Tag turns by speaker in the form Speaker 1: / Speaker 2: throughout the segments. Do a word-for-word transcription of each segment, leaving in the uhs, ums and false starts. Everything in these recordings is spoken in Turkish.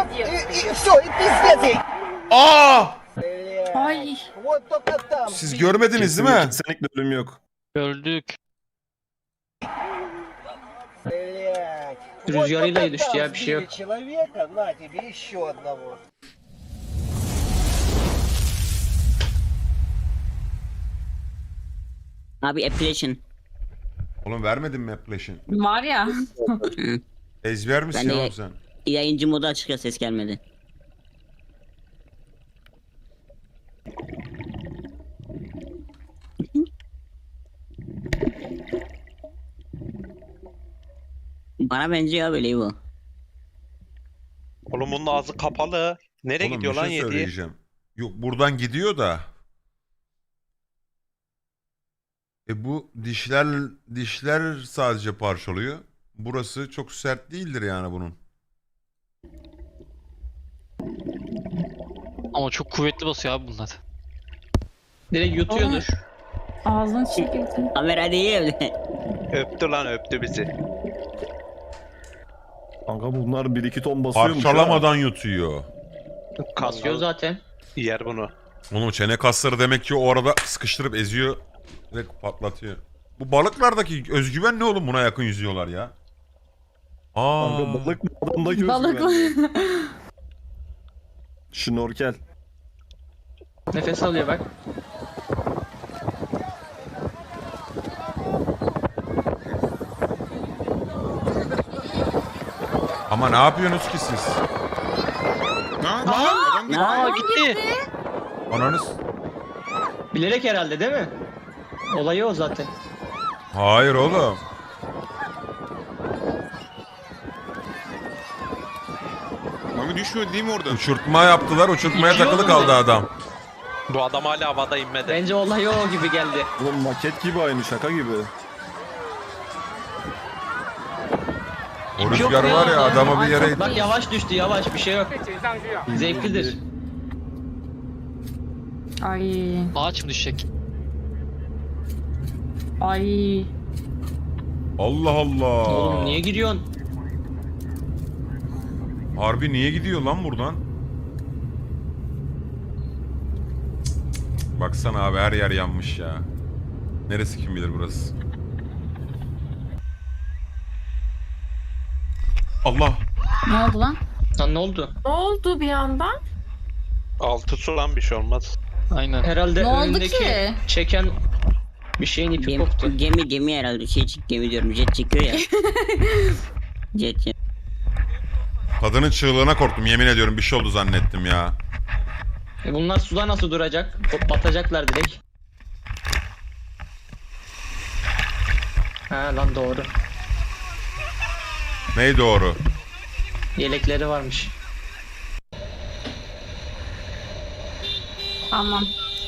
Speaker 1: И, и все, и пиздец ей.
Speaker 2: Aa!
Speaker 3: Ay.
Speaker 1: Вот только там.
Speaker 2: Siz görmediniz değil mi?
Speaker 4: Kesinlikle ölüm yok.
Speaker 5: Gördük.
Speaker 1: Блять.
Speaker 6: Rüzgarıyla
Speaker 1: Вот только
Speaker 6: düştü
Speaker 1: там
Speaker 6: ya, bir şey yok.
Speaker 1: сбили человека, на тебе еще одного.
Speaker 7: Abi appellation.
Speaker 2: Oğlum vermedin mi Appalachian?
Speaker 3: Var ya.
Speaker 2: Ezber misin
Speaker 7: Ben de-
Speaker 2: oğlum sen?
Speaker 7: Yayıncı modu açık ya, ses gelmedi. Bana benziyor böyle bu.
Speaker 8: Oğlum bunun ağzı kapalı. Nereye
Speaker 2: Oğlum
Speaker 8: gidiyor
Speaker 2: bir
Speaker 8: lan
Speaker 2: şey
Speaker 8: yedi?
Speaker 2: söyleyeceğim. Yok buradan gidiyor da. E bu dişler dişler sadece parçalıyor. Burası çok sert değildir yani bunun.
Speaker 5: Ama çok kuvvetli basıyor abi bunlar.
Speaker 6: Direkt yutuyordur.
Speaker 3: Ağzını çekildi.
Speaker 7: Kamera değil evde.
Speaker 8: Öptü lan öptü bizi.
Speaker 4: Kanka bunlar bir iki ton basıyormuş
Speaker 2: Parçalamadan yutuyor.
Speaker 6: Kasıyor zaten.
Speaker 8: Yer bunu.
Speaker 2: Onun çene kasları demek ki o arada sıkıştırıp eziyor. Direkt patlatıyor. Bu balıklardaki özgüven ne oğlum, buna yakın yüzüyorlar ya. Aa.
Speaker 4: Kanka balık mı adamdaki
Speaker 3: Balıklı.
Speaker 4: özgüven? Şnorkel.
Speaker 6: Nefes alıyor bak.
Speaker 2: Ama ne yapıyorsunuz ki siz?
Speaker 7: Ne
Speaker 5: Aa gitti.
Speaker 2: Ananız.
Speaker 6: Bilerek herhalde değil mi? Olayı o zaten.
Speaker 2: Hayır oğlum.
Speaker 9: Mami düşmüyor değil mi orada?
Speaker 2: Uçurtma yaptılar. Uçurtmaya
Speaker 6: İtiyor
Speaker 2: takılı
Speaker 6: mu
Speaker 2: kaldı
Speaker 6: ne?
Speaker 2: adam.
Speaker 8: Bu adam hala havada inmedi.
Speaker 6: Bence olay o gibi geldi.
Speaker 4: Oğlum maket gibi aynı, şaka gibi.
Speaker 2: O rüzgar var ya, adamı bir yere...
Speaker 6: Bak yavaş düştü, yavaş, bir şey yok. Zevklidir.
Speaker 3: Ay.
Speaker 5: Ağaç mı düşecek?
Speaker 3: Ay.
Speaker 2: Allah Allah.
Speaker 6: Oğlum niye giriyorsun?
Speaker 2: Harbi niye gidiyor lan buradan? Baksana abi, her yer yanmış ya. Neresi kim bilir burası. Allah.
Speaker 3: Ne oldu lan?
Speaker 6: Lan ne oldu?
Speaker 3: Ne oldu bir anda?
Speaker 8: Altı su lan bir şey olmaz.
Speaker 5: Aynen.
Speaker 6: Herhalde
Speaker 3: Ne oldu
Speaker 6: önündeki
Speaker 3: ki?
Speaker 6: çeken bir şeyin ipi
Speaker 7: Gemi,
Speaker 6: koptu.
Speaker 7: gemi gemi herhalde, şey gemi diyorum, jet çekiyor ya. Jet jet.
Speaker 2: Kadının çığlığına korktum, yemin ediyorum bir şey oldu zannettim ya.
Speaker 6: E bunlar suda nasıl duracak? Batacaklar direkt. Ha lan doğru.
Speaker 2: Ney doğru?
Speaker 6: Yelekleri varmış.
Speaker 3: Tamam.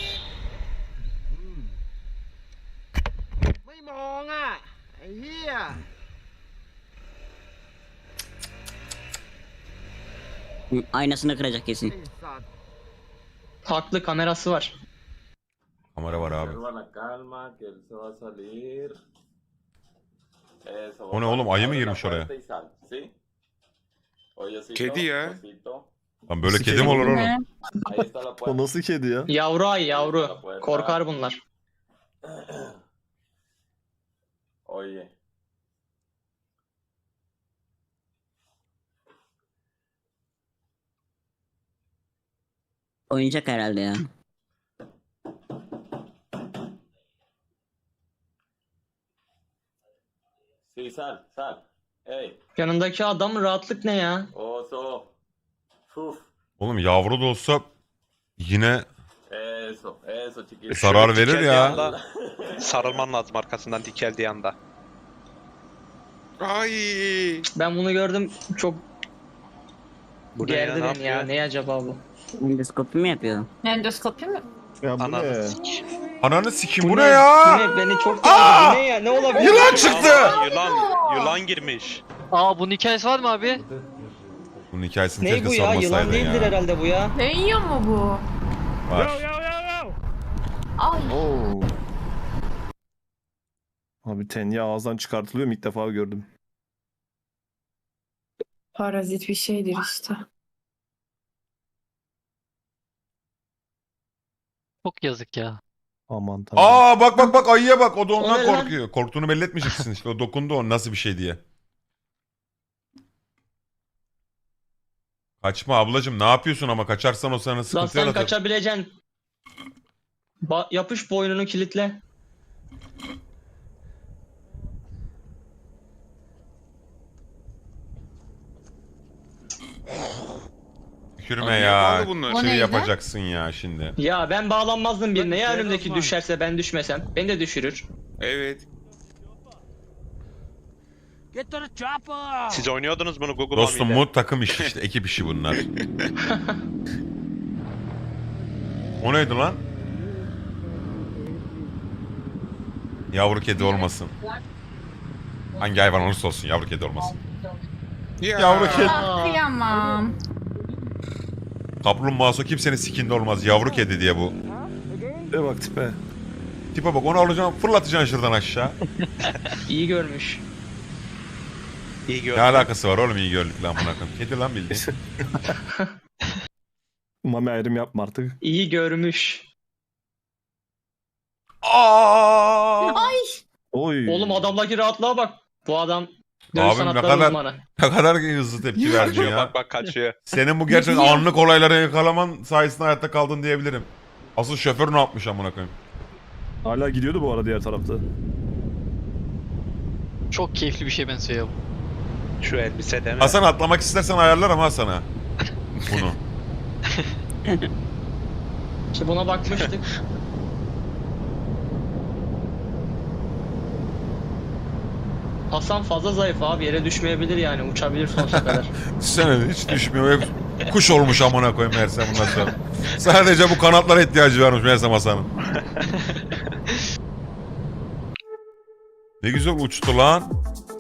Speaker 1: ไม่มองอ่ะไอ้เหี้ย
Speaker 7: Aynasını kıracak kesin.
Speaker 1: ไอ้สัตว์
Speaker 6: Haklı, kamerası var.
Speaker 2: Kamera var abi.
Speaker 10: Observa la calma, que él se va a salir. Eso,
Speaker 2: O ne oğlum, ayı mı girmiş oraya?
Speaker 10: y sal, ¿sí? Oyecito,
Speaker 9: Kedi ya.
Speaker 10: osito.
Speaker 2: Lan böyle
Speaker 4: Sikeyim
Speaker 2: kedi mi olur oğlum?
Speaker 3: Ne?
Speaker 10: Ahí está la
Speaker 4: O
Speaker 10: puerta.
Speaker 4: nasıl kedi ya?
Speaker 6: Yavru ay yavru. Korkar bunlar.
Speaker 10: Oye.
Speaker 7: Oyuncak herhalde ya.
Speaker 10: Sí, sal, sal. Ey,
Speaker 6: Yanındaki adam rahatlık ne ya?
Speaker 10: oso. Uf.
Speaker 2: Oğlum yavru da olsa yine
Speaker 10: Eso, eso, chiquito.
Speaker 2: zarar verir
Speaker 8: Dikeldiği
Speaker 2: ya.
Speaker 8: anda sarılman lazım arkasından dikeldiği anda.
Speaker 9: Ay.
Speaker 6: Ben bunu gördüm, çok
Speaker 8: Bu ne ya,
Speaker 6: gerdi
Speaker 8: ne
Speaker 6: beni ya.
Speaker 8: yapıyor?
Speaker 6: Ne acaba bu?
Speaker 7: Endoskopi mi yapıyor?
Speaker 3: Endoskopi mi?
Speaker 4: Ya bu
Speaker 8: Ananı
Speaker 4: ne?
Speaker 8: sik.
Speaker 2: Ananı sikim, bu ne
Speaker 6: Bu
Speaker 2: ya?
Speaker 6: ne? Beni çok gerdi. Bu ne ya? Ne olabilir?
Speaker 2: Yılan çıktı.
Speaker 8: Yılan, yılan girmiş.
Speaker 5: Aa bunun hikayesi var mı abi?
Speaker 2: Bunun hikayesini
Speaker 6: Ne
Speaker 2: keşke
Speaker 6: bu ya? Yılan
Speaker 2: sormasaydın
Speaker 6: değildir
Speaker 2: ya.
Speaker 6: herhalde bu ya.
Speaker 3: Ne yiyor mu bu?
Speaker 2: Var.
Speaker 3: Ay.
Speaker 4: Oo. Abi tenya ağızdan çıkartılıyor mu, ilk defa gördüm.
Speaker 3: Parazit bir şeydir işte.
Speaker 5: Çok yazık ya.
Speaker 4: Aman tanrım.
Speaker 2: Aa bak bak bak ayıya bak. O da
Speaker 6: O
Speaker 2: ondan
Speaker 6: ne lan?
Speaker 2: korkuyor. Korktuğunu belli etmeyeceksin işte. O dokundu o nasıl bir şey diye. Kaçma ablacım ne yapıyorsun ama kaçarsan o sana
Speaker 6: Lan
Speaker 2: sıkıntı
Speaker 6: sen
Speaker 2: yaratır.
Speaker 6: kaçabileceksin. Ba- yapış boynunu kilitle.
Speaker 2: Tükürme
Speaker 9: Abi
Speaker 2: ya.
Speaker 9: yapmadı bunlar.
Speaker 3: O
Speaker 2: Şey
Speaker 3: neydi?
Speaker 2: yapacaksın ya şimdi.
Speaker 6: Ya ben bağlanmazdım birine. Ya
Speaker 1: Bak,
Speaker 6: önümdeki
Speaker 1: Osman.
Speaker 6: düşerse ben düşmesem. Beni de düşürür.
Speaker 9: Evet.
Speaker 8: Siz oynuyordunuz bunu Google
Speaker 2: Dostum
Speaker 8: Mami'de.
Speaker 2: bu takım işi işte. Ekip işi bunlar. O neydi lan? Yavru kedi olmasın. Hangi hayvan olursa olsun yavru kedi olmasın.
Speaker 9: Ya.
Speaker 2: Yavru kedi.
Speaker 3: Ah, kıyamam.
Speaker 2: Kaplumbağası kimsenin sikinde olmaz. Yavru kedi diye bu.
Speaker 4: E bak tipe.
Speaker 2: Tipe bak onu alacaksın fırlatacaksın şuradan aşağı.
Speaker 6: İyi görmüş.
Speaker 8: İyi
Speaker 2: Ne
Speaker 8: gördüm.
Speaker 2: alakası var oğlum iyi gördük lan buna koyayım. Kedi lan bildiğin.
Speaker 4: Mami ayrım yapma artık.
Speaker 6: İyi görmüş.
Speaker 2: Aa!
Speaker 3: Ay.
Speaker 4: Oy.
Speaker 6: Oğlum adamdaki rahatlığa bak. Bu adam dövüş
Speaker 2: Abim ne
Speaker 6: sanatları
Speaker 2: kadar-
Speaker 6: uzmanı.
Speaker 2: Ne kadar hızlı tepki verdin
Speaker 8: Kaçıyor
Speaker 2: ya.
Speaker 8: bak bak kaçıyor.
Speaker 2: Senin bu gerçekten anlık olayları yakalaman sayesinde hayatta kaldın diyebilirim. Asıl şoför ne yapmış amına koyayım.
Speaker 4: Hala gidiyordu bu arada diğer tarafta.
Speaker 5: Çok keyifli bir şey benziyor ya bu.
Speaker 8: Şu elbise deme.
Speaker 2: Hasan atlamak istersen ayarlarım ha sana. Bunu.
Speaker 6: İşte buna bakmıştık. Hasan fazla zayıf abi. Yere düşmeyebilir yani. Uçabilir sonsuza kadar.
Speaker 2: Sen hiç düşmüyor. Hep kuş olmuş amına koyayım meğersem bundan sonra. Sadece bu kanatlara ihtiyacı varmış meğersem Hasan'ın. Ne güzel uçtu lan.